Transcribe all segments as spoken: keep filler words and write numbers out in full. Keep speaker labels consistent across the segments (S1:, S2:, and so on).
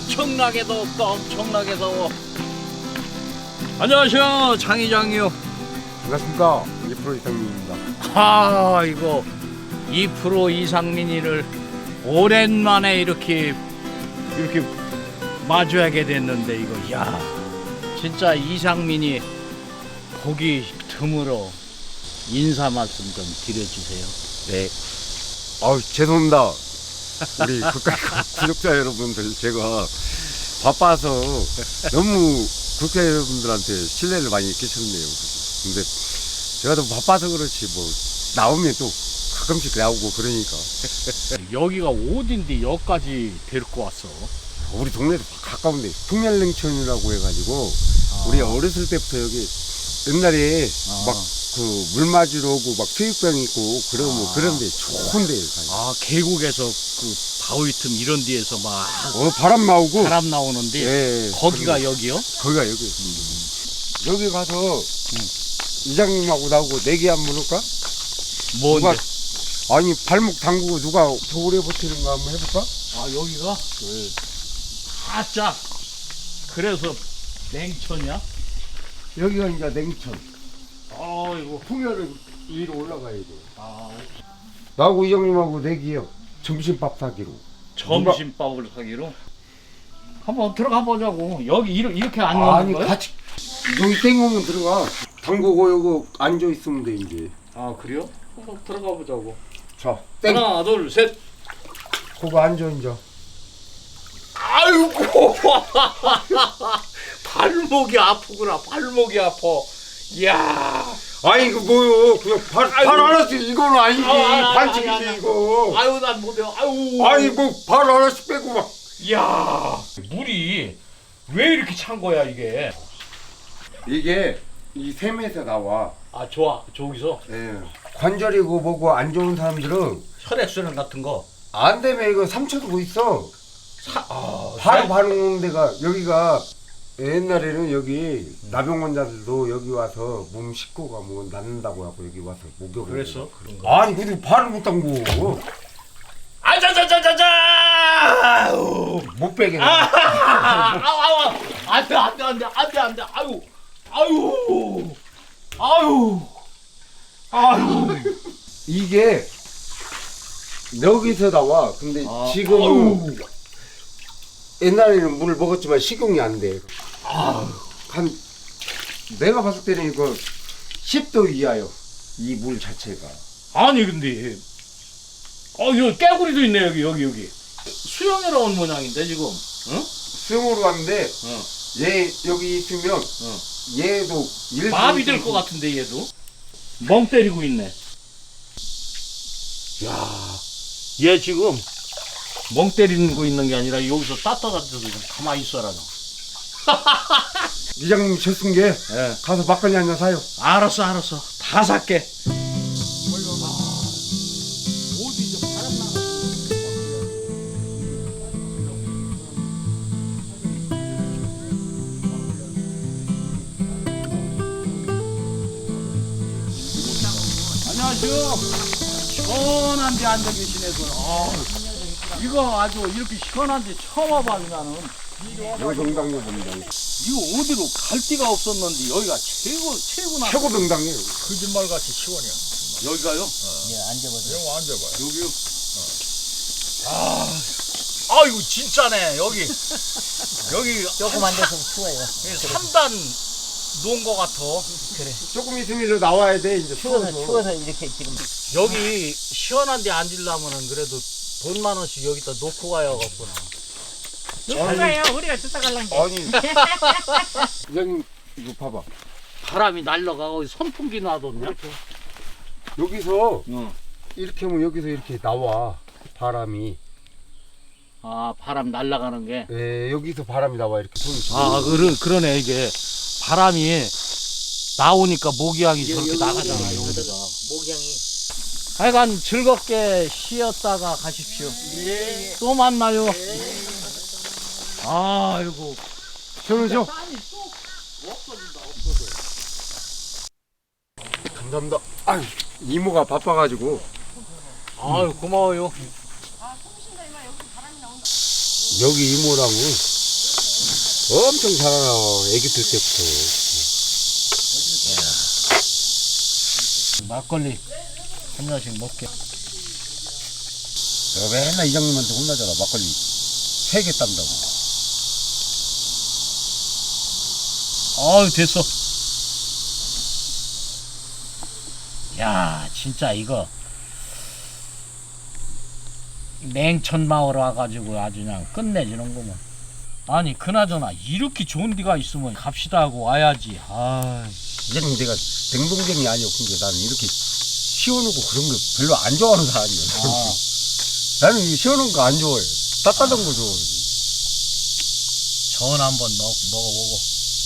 S1: 엄청나게 더웠다. 엄청나게 더워. 안녕하세요, 장 이장이요.
S2: 반갑습니다. 이 프로 이상민입니다.
S1: 아, 이거 이 프로 이상민이를 오랜만에 이렇게 이렇게 마주하게 됐는데, 이거 야 진짜 이상민이 보기 드물어. 인사 말씀 좀 드려주세요.
S2: 네. 아우 죄송합니다. 우리 국가 구독자 여러분들, 제가 바빠서 너무 구독자 여러분들한테 신뢰를 많이 끼쳤네요. 근데 제가 더 바빠서 그렇지 뭐 나오면 또 가끔씩 나오고 그러니까.
S1: 여기가 어딘데 여기까지 데리고 왔어?
S2: 우리 동네도 가까운데 풍년냉천이라고 해가지고
S1: 아.
S2: 우리 어렸을 때부터 여기 옛날에
S1: 아.
S2: 막 그 물 맞으러 오고 막 수육병 있고 그러면
S1: 아.
S2: 그런데 좋은데 가요.
S1: 아, 계곡에서 그 바위 틈 이런 데에서 막
S2: 어 바람 나오고
S1: 바람 나오는데
S2: 예,
S1: 거기가
S2: 그런-
S1: 여기요?
S2: 거기가 여기 여기 가서 이장님하고 나오고 내기 한번 할까?
S1: 뭔데?
S2: 누가- 아니 발목 담그고 누가 더 오래 버티는 거 한번 해볼까?
S1: 아, 여기가? 네. 아짜 그래서 냉천이야?
S2: 여기가 이제 냉천.
S1: 아이고.
S2: 풍열은 위로 올라가야 돼.
S1: 아,
S2: 나하고 이장님하고 내기요. 점심밥 사기로.
S1: 점심밥을 사기로? 한번 들어가 보자고. 여기 이렇게, 이렇게 앉는
S2: 아니
S1: 거야?
S2: 같이 여기 땡오면 들어가. 담그고 여기 앉아 있으면 돼 이제.
S1: 아, 그래요? 한번 들어가 보자고.
S2: 자, 땡.
S1: 하나, 둘, 셋.
S2: 거기 앉아 이제.
S1: 아이고. 발목이 아프구나. 발목이 아파. 이야.
S2: 아니 이거 뭐요? 그냥 발, 발 하나씩 이거는 아니지.
S1: 아, 아, 아,
S2: 반칙이지
S1: 아니, 아니,
S2: 이거.
S1: 아유, 난 못해요. 아유.
S2: 아니 뭐 발 하나씩 빼고 막.
S1: 이야. 물이 왜 이렇게 찬 거야, 이게?
S2: 이게 이 샘에서 나와.
S1: 아, 좋아. 저기서
S2: 예. 관절이고 뭐고 안 좋은 사람들은
S1: 혈액순환 같은 거.
S2: 안 되면 이거 삼초 두고 있어.
S1: 사, 아,
S2: 바로
S1: 살-
S2: 반응 데가 여기가 옛날에는 여기 나병 환자들도 여기 와서 몸 씻고 가면 낫는다고 하고 여기 와서 목욕을
S1: 그랬어?
S2: 해요.
S1: 그런 거.
S2: 아니 근데 발을 못 담고
S1: 아자자자자자! 아유.
S2: 못 빼게.
S1: 아, 아우, 아우, 안돼, 안돼, 안돼, 안돼, 안돼, 아유, 아유, 아유, 아유.
S2: 이게 여기서 나와. 근데
S1: 아,
S2: 지금은
S1: 아유.
S2: 옛날에는 물을 먹었지만 식용이 안 돼.
S1: 아유.
S2: 한 내가 봤을 때는 이거 십 도 이하요. 이 물 자체가.
S1: 아니 근데, 어, 여기 깨구리도 있네, 여기, 여기, 여기. 수영이라 온 모양인데 지금, 응?
S2: 수영으로 갔는데
S1: 응.
S2: 얘 여기 있으면
S1: 응.
S2: 얘도 일
S1: 마비 될 것 같은데 얘도. 멍 때리고 있네. 야, 얘 지금 멍 때리는 거 있는 게 아니라 여기서 따뜻한 데서 좀 가만히 있어라 너.
S2: 이장님 졌은 게
S1: 예.
S2: 가서 막걸리 한 잔 사요.
S1: 알았어, 알았어. 다 살게. 안녕하세요. 시원한 데 앉아 계시네. 그. 아, 이거 아주 이렇게 시원한 데 처음 와봤냐는.
S2: 여기 명당이요 명당.
S1: 이거 어디로 갈 데가 없었는데 여기가 최고, 최고나.
S2: 최고 명당이에요.
S3: 거짓말같이 시원해요.
S1: 여기가요?
S3: 예, 앉아보세요. 이거 앉아봐요.
S1: 여기요? 아, 아이고, 진짜네, 여기. 여기
S3: 조금 앉아서 추워요.
S1: 삼 단 놓은 것 같아.
S3: 그래.
S2: 조금 있으면 일로 나와야 돼 이제
S3: 추워서,
S2: 추워서.
S3: 추워서 이렇게 지금.
S1: 여기 시원한 데 앉으려면은 그래도 돈 만 원씩 여기다 놓고 가야겠구나.
S3: 누가요? 우리가 쫓아갈란 게.
S2: 아니 이장님 이거 봐봐.
S1: 바람이 날라가고 선풍기 놔뒀냐?
S2: 여기서
S1: 응.
S2: 이렇게 하면 여기서 이렇게 나와 바람이.
S1: 아, 바람 날아가는 게.
S2: 예, 여기서 바람이 나와 이렇게 손이.
S1: 아, 그러, 그러네, 이게. 바람이 나오니까 모기향이 저렇게
S3: 여기,
S1: 나가잖아,
S3: 여기,
S1: 여기가.
S3: 목양이.
S1: 하여간 즐겁게 쉬었다가 가십시오.
S3: 예.
S1: 또 만나요. 아이고.
S2: 시원하죠?
S1: 땀이 또 없어진다, 없어져.
S2: 감사합니다. 아유, 이모가 바빠가지고
S1: 아유, 고마워요.
S2: 여기 이모랑은 엄청 살아요. 애기 들 때부터.
S1: 막걸리 한 잔씩 먹게.
S2: 내가 맨날 이장님한테 혼나잖아. 막걸리 세 개 딴다고.
S1: 아유 됐어. 야 진짜 이거 냉천 마을 와가지고 아주 그냥 끝내주는구먼. 아니 그나저나 이렇게 좋은 데가 있으면 갑시다 하고 와야지. 아
S2: 이장님 내가 댕동댕이 아니었고 근데 나는 이렇게 시원하고 그런 거 별로 안 좋아하는 사람이야.
S1: 아.
S2: 나는 이 시원한 거 안 좋아해. 따뜻한 거 좋아해.
S1: 전 한번 먹, 먹어보고.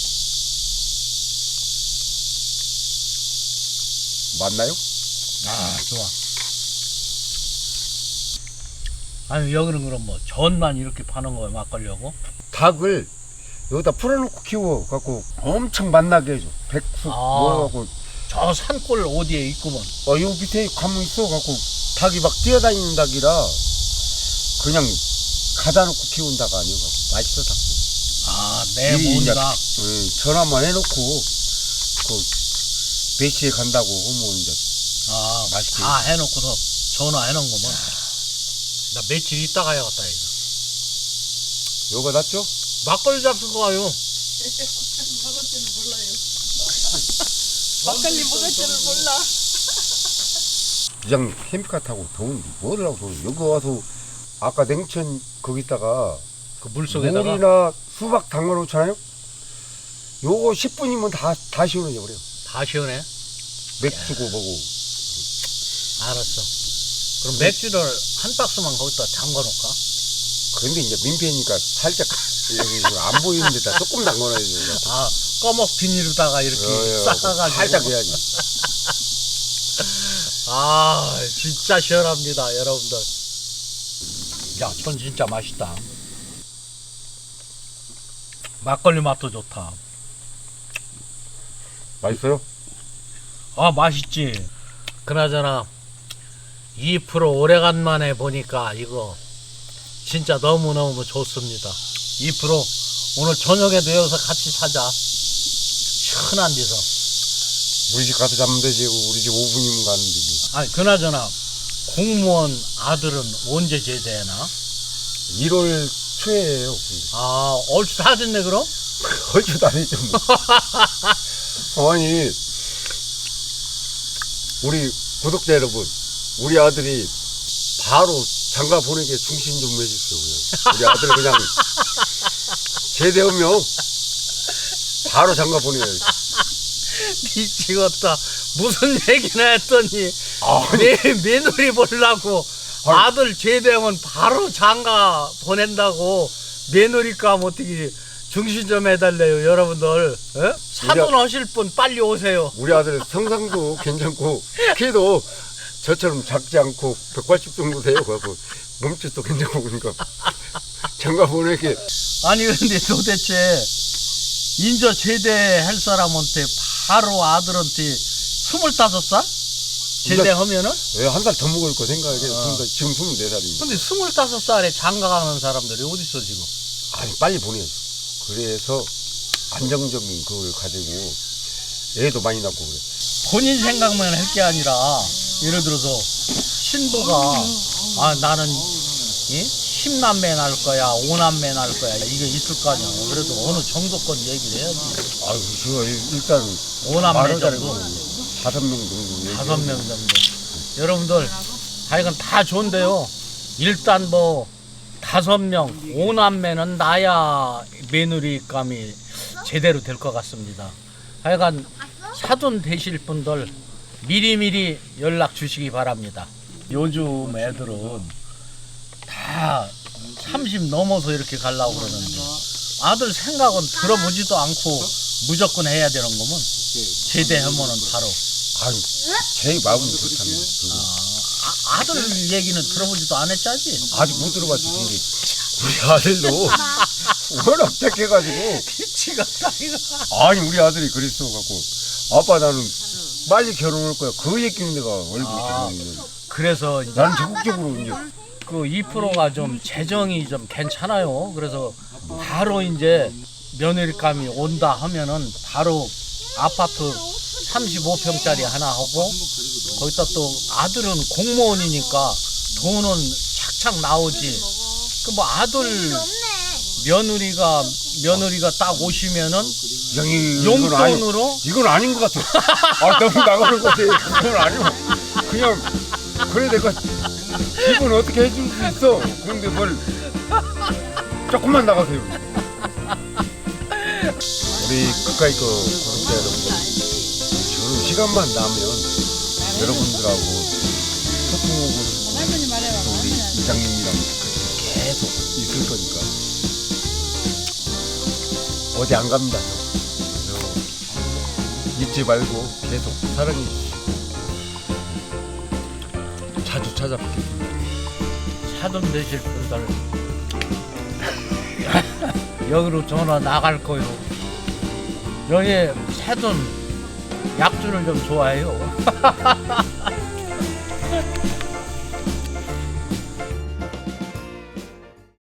S2: 맞나요?
S1: 아 좋아. 아니 여기는 그럼 뭐 전만 이렇게 파는 거야 막걸리하고?
S2: 닭을 여기다 풀어놓고 키워 갖고 엄청 맛나게 해줘. 백숙
S1: 아.
S2: 먹어갖고
S1: 저 산골 어디에 있구먼.
S2: 어, 요 밑에 가면 있어 갖고 닭이 막 뛰어다니는 닭이라 그냥 가다 놓고 키운 닭 아니고 맛있어 닭.
S1: 아내
S2: 이 이제-
S1: 뭔가.
S2: 응, 전화만 해놓고 그 몇 시에 간다고 하면 이제
S1: 아
S2: 맛있게.
S1: 다 해놓고서 전화해놓은 거면. 나 며칠 있다 가야겠다 이거.
S2: 요거 낫죠?
S1: 막걸리 잡수 거 와요.
S3: 막걸리 먹을 줄을 몰라.
S2: 부장 캠핑카 타고 더운데 뭐를 하고 더워. 여기 와서 아까 냉천 거기다가
S1: 그 물속에다가.
S2: 물이나 수박 담가놓잖아요. 요거 십 분이면 다, 다 시원해져 버려.
S1: 다 시원해.
S2: 맥주고 뭐고.
S1: 알았어. 그럼 맥주를 한 박스만 거기다 담가 놓을까?
S2: 근데 이제 민폐니까 살짝 여기 안 보이는 데다 조금 담가놔야 돼.
S1: 아 꺼먹 비닐로다가 이렇게
S2: 어, 어,
S1: 싸가지고.
S2: 살짝 해야지.
S1: 아 진짜 시원합니다 여러분들. 야 전 진짜 맛있다. 막걸리 맛도 좋다.
S2: 맛있어요?
S1: 아 맛있지. 그나저나 이 프로 오래간만에 보니까 이거 진짜 너무너무 좋습니다. 이 프로 오늘 저녁에도 여기서 같이 사자. 시원한 데서.
S2: 우리 집 가서 자면 되지. 우리 집 오 분이면 가는 데지.
S1: 아니 그나저나 공무원 아들은 언제 제대하나?
S2: 일월 초에요.
S1: 아 얼추 다 됐네 그럼?
S2: 얼추 다니죠. 뭐. 아니 우리 구독자 여러분, 우리 아들이 바로 장가 보내게 중심 좀 해주세요. 그냥. 우리 아들 그냥 제대하면 바로 장가 보내야지.
S1: 미치겠다. 무슨 얘기나 했더니
S2: 아니,
S1: 내 며느리 보려고
S2: 아니.
S1: 아들 제대하면 바로 장가 보낸다고. 며느리감 어떻게 중심 좀 해달래요 여러분들. 에? 사돈 하실 분 빨리 오세요.
S2: 우리 아들 성상도 괜찮고 키도 저처럼 작지 않고 백팔십 정도 돼요. 그래갖고 몸짓도 괜찮고 그러니까 장가 보내게.
S1: 아니 근데 도대체 인저 제대할 사람한테 바로 아들한테 스물다섯 살? 제대하면은?
S2: 왜 한 살 더 먹을 거 생각해.
S1: 어.
S2: 지금 스물네 살이니까.
S1: 근데 스물다섯 살에 장가 가는 사람들이 어딨어 지금?
S2: 아니 빨리 보내야지. 그래서 안정적인 그걸 가지고 애도 많이 낳고 그래.
S1: 본인 생각만 할 게 아니라 예를 들어서 신부가 아 나는 예? 십남매 낳을 거야 오남매 낳을 거야 이게 있을 거 아니야. 그래도 어느 정도건 얘기를 해야지.
S2: 아유 제가 일단
S1: 오남매
S2: 말은
S1: 정도
S2: 잘하고 다섯 명 정도 얘기해요.
S1: 다섯 명 정도. 여러분들 하여간 다 좋은데요. 일단 뭐 다섯 명 오남매는 나야 며느리감이 제대로 될 것 같습니다. 하여간 사돈 되실 분들 미리미리 연락 주시기 바랍니다. 요즘 애들은 다 삼십 넘어서 이렇게 가려고 그러는데 아들 생각은 들어보지도 않고 무조건 해야 되는 거면 제대하면은 바로.
S2: 아유 제 마음은 그렇답니다. 그거.
S1: 아, 아들 얘기는 들어보지도 않았지.
S2: 아직 못 들어봤지. 근데 우리 아들도 워낙 착해가지고
S1: 미치겠다 이거.
S2: 아니 우리 아들이 그랬어 갖고 아빠 나는 빨리 결혼할 거야. 그 얘기는 내가 얼굴
S1: 아.
S2: 아.
S1: 그래서 이제
S2: 나는 적극적으로 이제
S1: 그 이 프로가 좀 재정이 좀 괜찮아요. 그래서 바로 이제 며느리감이 온다 하면은 바로 아파트 삼십오 평짜리 하나 하고 거기다 또 아들은 공무원이니까 돈은 착착 나오지. 그 뭐 아들 며느리가 며느리가 딱 오시면은
S2: 형이
S1: 용돈으로
S2: 이건 아닌 것 같아. 아 너무 나가는 것 같아. 그건 아니고 그냥 그래 내가 집은 어떻게 해줄 수 있어. 그런데 뭘 조금만 나가세요. 우리 가까이 그 구독자 여러분들, 저는 시간만 나면 여러분들하고 소통하고 또 우리 이장님이랑 계속 있을 거니까 어디 안 갑니다. 저. 잊지 말고 계속 사랑해 주시고 자주 찾아뵙겠습니다.
S1: 사돈 되실 분들 여기로 전화 나갈 거요. 여기 사돈 약주를 좀 좋아해요.